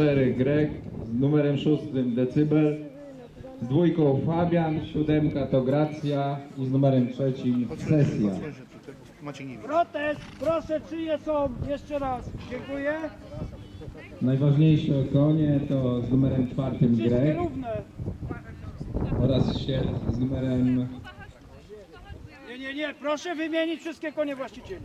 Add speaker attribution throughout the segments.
Speaker 1: 4 Greg, z numerem 6 Decybel, z 2 Fabian, 7 to Gracja i z numerem 3 Sesja.
Speaker 2: Protest, proszę, czyje są? Jeszcze raz, dziękuję.
Speaker 1: Najważniejsze konie to z numerem 4
Speaker 2: Wszystkie
Speaker 1: Greg
Speaker 2: równe.
Speaker 1: oraz z numerem...
Speaker 2: Nie, proszę wymienić wszystkie konie właścicieli.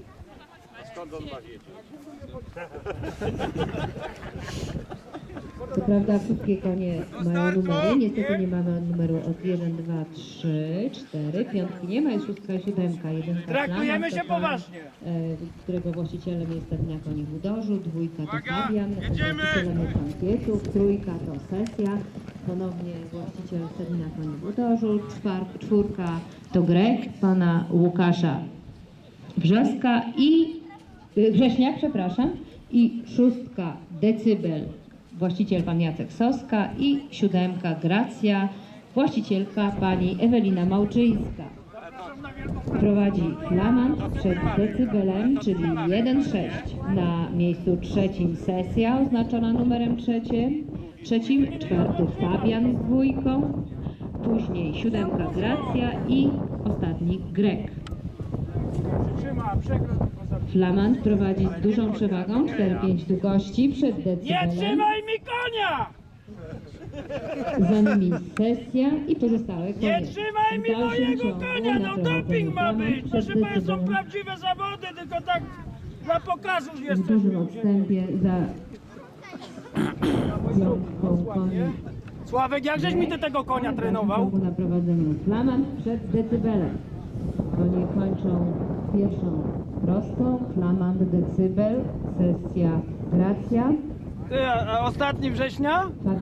Speaker 3: Co prawda wszystkie konie mają numery, niestety nie mamy numeru od 1, 2, 3, 4, piątki nie ma, jest 6 i 7, 1
Speaker 2: Traktujemy się poważnie.
Speaker 3: którego właścicielem jest Stadnia Koni w Udorzu, 2 to Fabian, właścicielem jest Pan Pietów, 3 to Sesja, ponownie właściciel Stadnia Koni w Udorzu, 4 to Greg, Pana Łukasza Wrześniak, przepraszam, i 6 Decybel, właściciel Pan Jacek Soska i 7 Gracja, właścicielka Pani Ewelina Małczyńska. Prowadzi Flamand przed Decybelem, czyli 1-6. Na miejscu 3 Sesja oznaczona numerem 3, 4 Fabian z 2, później 7 Gracja i ostatni Greg.
Speaker 2: Trzyma, przekręt.
Speaker 3: Flamand prowadzi z dużą przewagą 4-5 długości przed
Speaker 2: Nie
Speaker 3: Decybelem.
Speaker 2: trzymaj mi konia!
Speaker 3: Za nimi Sesja i pozostałe konie.
Speaker 2: Nie trzymaj mi
Speaker 3: W dalszym
Speaker 2: mojego
Speaker 3: ciągu
Speaker 2: konia,
Speaker 3: na
Speaker 2: no
Speaker 3: prowadzeniu
Speaker 2: doping ma
Speaker 3: Flamand
Speaker 2: być!
Speaker 3: przed
Speaker 2: Proszę Państwa, są
Speaker 3: Decybelem
Speaker 2: prawdziwe zawody, tylko tak dla pokazu
Speaker 3: w
Speaker 2: jesteśmy.
Speaker 3: dużym odstępie za piątką koni.
Speaker 2: Sławek, jak żeś mi ty tego konia trenował?
Speaker 3: Na prowadzeniu Flamand przed Decybelem. Konie kończą pierwszą prostą, Flamand, Decybel, Sesja, Gracja.
Speaker 2: Ty, a ostatni września?